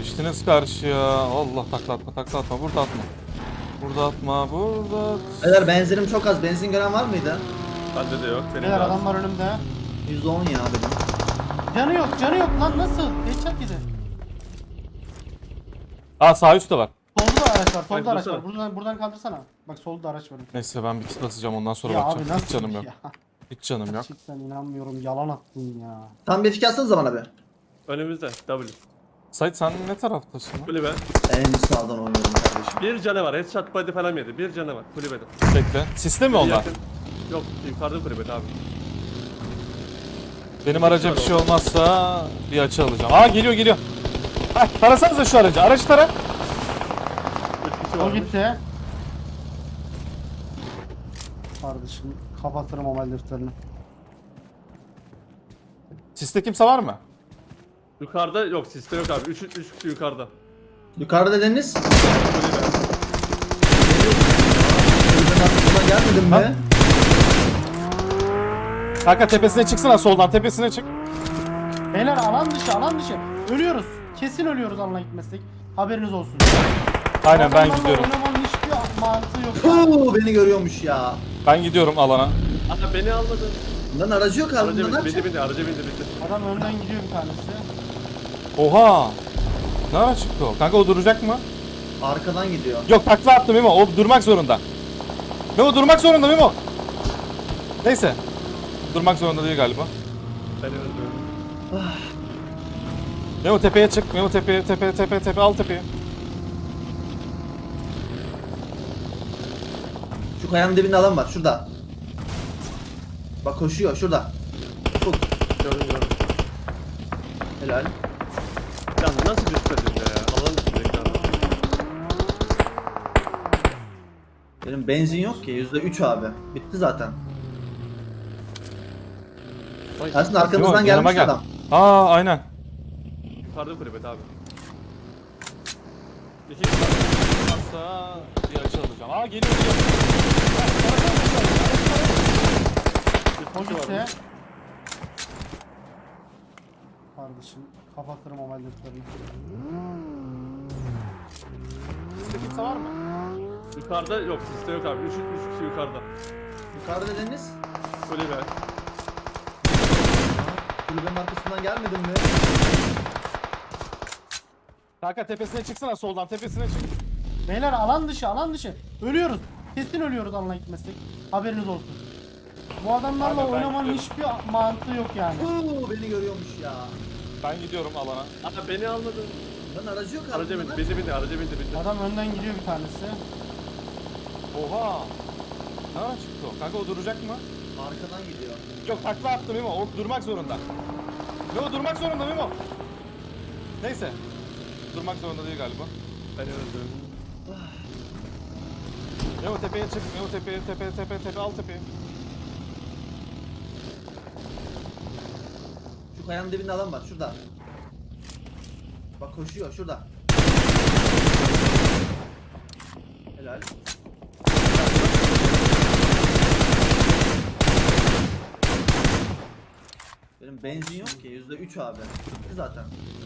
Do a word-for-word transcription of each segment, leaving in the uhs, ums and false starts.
Geçtiniz karşıya. Allah takla atma takla atma. Burada atma. Burada atma. Burada at. Beyler benzinim çok az. Benzin gören var mıydı? Bende de yok. Benim Beyler de az. adamlar önümde. yüzde on ya benim. Canı yok, canı yok lan nasıl? Headshot yedi. Aa sağ üstte var. Solda da araç var, solda Bak, araç dursana. var. Buradan buradan kaldırsana. Bak solda araç var. Neyse ben bir kit basacağım ondan sonra Ya abi bakacağım. Hiç nasıl canım yok. ya? Hiç canım yok. Gerçekten inanmıyorum, yalan attın ya. Tam bir fikir atsanıza bana bir. Önümüzde. W. Sait sen ne taraftasın? lan? Kulübe. En sağdan oynuyorum kardeşim. Bir canı var. Headshot body falan yedi. Bir canı var. Kulübede. Bekle. Siste mi Bir onlar? yakın. Yok. Yukarıda kulübede abi. Benim araca bir şey olmazsa bir açı alacağım. Aa geliyor geliyor. Hah tarasanıza şu aracı. Aracı tara. Üç kişi O varmış. gitti. Kardeşim kapatırım o defterini. Siste kimse var mı? Yukarıda yok. Siste yok abi. Üç, üç kişi yukarıda. Yukarıda dediniz. Kulübe. Kulübenin arkasından gelmedin Ha? mi? Kanka tepesine çıksana soldan tepesine çık. Beyler alan dışı, alan dışı. Ölüyoruz. Kesin ölüyoruz alana gitmezsek. Haberiniz olsun. Aynen ben Adamlarla gidiyorum. oynamanın hiçbir mantığı yok. Huu, beni görüyormuş ya. Ben gidiyorum alana. Aha beni almadı. Bunların aracı yok abi. Araca Bunlar ne bindi. Bindi yapacak? bindi. Araca bindi bindi. Adam önden gidiyor bir tanesi. Oha. Ne ara çıktı o? Kanka o duracak mı? Arkadan gidiyor. Yok takla attı Memo. O durmak zorunda. Memo durmak zorunda Memo. Neyse. Durmak zorunda değil galiba. Beni öldürdü. Memo tepeye çık. Memo tepeye tepeye tepeye tepe al tepeye. Şu kayanın dibinde adam var. Şurada. Bak koşuyor. Şurada. Ufuk. Gördüm gördüm. Helal. Ya nasıl bir strateji ya? Alan üstündeki adam. Benim benzin yok ki. yüzde üç abi. Bitti zaten. Vay, Aslında Memo arkamızdan yanıma gelmiş gel. adam. Aa aynen. Yukarıda kulübede abi. İki kişi var. Varsa bir açı alacağım. Aa geliyor geliyor. Bir O kişi gitti. varmış. Kardeşim kapatırım o defterini. Siste kimse var mı? Yukarıda yok. Siste yok abi. Üç, üç kişi yukarıda. Yukarıda dediniz. Kulübe. Kulübenin arkasından gelmedin mi? Kanka tepesine çıksana soldan tepesine çık. Beyler alan dışı, alan dışı. Ölüyoruz. Kesin ölüyoruz alana gitmezsek. Haberiniz olsun. Bu adamlarla Abi ben oynamanın gidiyorum. hiçbir mantığı yok yani. Huu, beni görüyormuş ya. Ben gidiyorum alana. Aha beni almadı. Bunların aracı yok abi. Araca bindi. bunlar. Bindi bindi. Araca bindi bindi. Adam önden gidiyor bir tanesi. Oha. Ne ara çıktı o? Kanka o duracak mı? Arkadan gidiyor. Yok takla attı Memo. O durmak zorunda. Memo durmak zorunda Memo. Neyse. Durmak zorunda değil galiba. Beni öldürdü. Memo tepeye çık. Memo tepeye tepeye tepeye tepe al tepeye. Şu kayanın dibinde adam var. Şurada. Bak koşuyor. Şurada. Helal. Benim benzin yok ki. yüzde üç abi. Bitti zaten.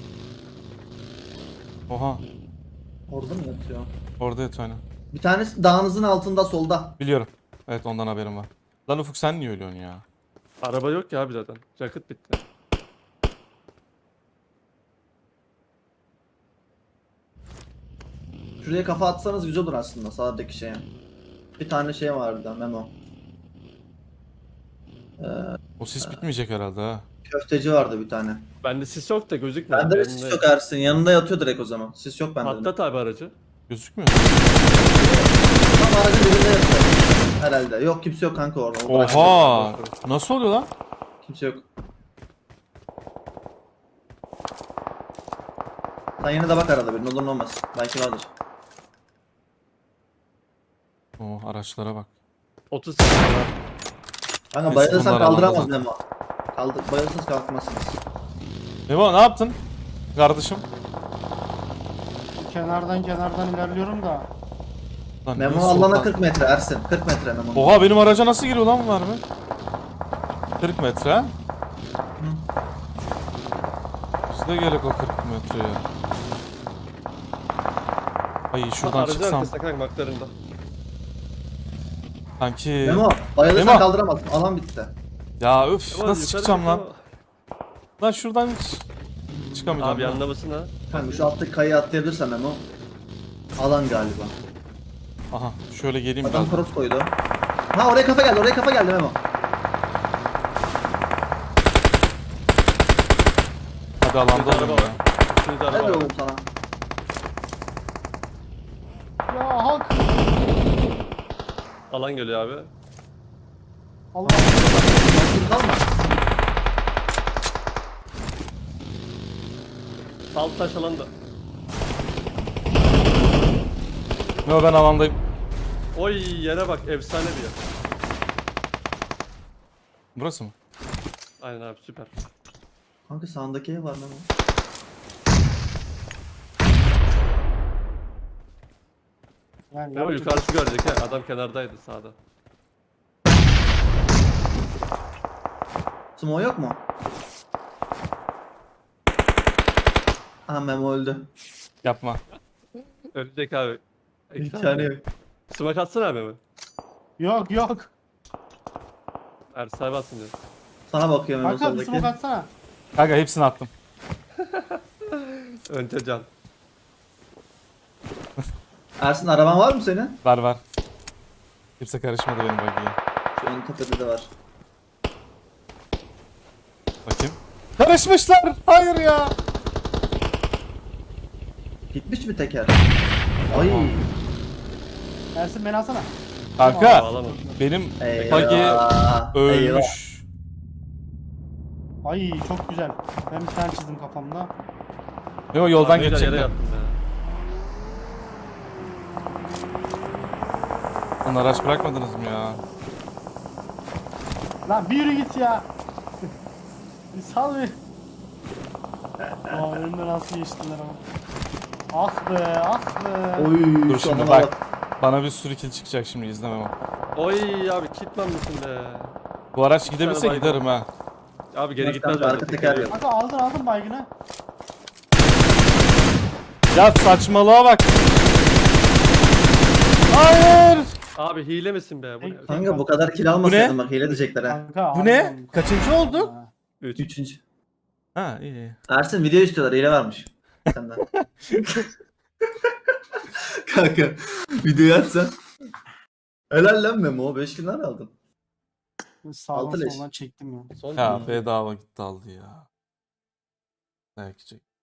Oha. Orada mı yatıyor? Orada yat aynen. Bir tanesi dağınızın altında solda. Biliyorum. Evet ondan haberim var. Lan Ufuk sen niye ölüyorsun ya? Araba yok ya abi zaten. Yakıt bitti. Şuraya kafa atsanız güzel olur aslında sağdaki şeye. Bir tane şey vardı Memo. Ee, O sis bitmeyecek herhalde ha. köfteci vardı bir tane. Bende sis yok da gözükmüyor. Bende de Benim sis de- yok Ersin. Yanında yatıyor direkt o zaman. Sis yok bende. de. Patlat abi aracı. Gözükmüyor. Tam aracın dibinde yatıyor. Herhalde. Yok kimse yok kanka orada. O bıraktı. Oha. Nasıl oluyor lan? Kimse yok. Sen yine de bak arada bir. Ne olur ne olmaz. Belki vardır. Oo araçlara bak. otuz kişi var. Kanka Biz bayılırsan bunları kaldıramaz alalım Memo. Kaldır, bayılırsanız kalkmazsınız. Memo ne yaptın? Kardeşim. Kenardan kenardan ilerliyorum da. Lan Memo niye alana soldan- kırk metre Ersin. kırk metre Memo. Oha benim araca nasıl giriyor lan var mı? kırk metre ha? Biz de gerek o kırk metreye. Ay şuradan Aracın çıksam. arkasında kanka McLaren'da. Sanki. Memo bayılırsan Memo. kaldıramazsın. Alan bitti. Ya öf Ama nasıl yukarı çıkacağım lan? çıkıyor. Lan şuradan hiç çıkamayacağım. Abi lan. yanında mısın ha? Kanka şu alttaki kayayı atlayabilirsen Memo. Alan galiba. Aha şöyle geleyim Adam biraz. cross koydu. Ha oraya kafa geldi, oraya kafa geldi Memo. Hadi alanda Şurada olayım araba ya. var. Şurada Helal araba var. oğlum sana. Ya hak. Alan geliyor abi. Allah. Mahsur kalma. Alt taş alanda. Yo ben alandayım. Oy yere bak efsane bir yer. Burası mı? Aynen abi süper. Kanka sağındaki ev var Memo. Yani Ama yapacak- yukarısı görecek ha. Adam kenardaydı sağda. Sumo yok mu? Aha Memo öldü. Yapma. Ölecek abi. İmkanı yok. Smoke atsana abi mi? Yok yok. Ersay batsın diyor. Sana bakıyor Memo Kanka bir soldaki. smoke atsana. Kanka hepsini attım. Önce can. Ersin araban var mı senin? Var var. Kimse karışmadı benim buggy'ye. Şu ön tepede de var. Bakayım. Karışmışlar. Hayır ya. Gitmiş mi teker? Ay. Ersin beni alsana. Kanka Bağlama. benim Eyvah. buggy Eyvah. ölmüş. Ay çok güzel. Ben bir tane çizdim kafamda. Yo yoldan Abi, yere geçecekler. yattım ya. Onu araç bırakmadınız mı ya? Lan bir yürü git ya. Bir sal bir. Aa önümden nasıl geçtiler ama. Ah be ah be. Oy. Dur şu şimdi adama bak. Bana bir sürü kill çıkacak şimdi izlemem o. Oy abi kitman mısın be? Bu araç Bir gidebilse tane baygın. giderim ha. Abi geri Bak, gitmez kanka, bence. arka Tek teker geliyor. yok. Kanka aldın aldın baygını. Ya saçmalığa bak. Hayır. Abi hile misin be? Bu ne? Tek- Kanka bu kadar kill almasaydın ne? bak hile diyecekler ha. Kanka, Bu ne? aldım. Kaçıncı oldu? Ha. Üç. Üçüncü. Ha iyi, iyi. Ersin video istiyorlar, hile varmış. Senden. Kanka videoyu açsan. Helal lan Memo, beş kill aldın. Sağdan Altı leş. soldan çektim ya. Son Ya bedava gitti aldı ya. Belki çek.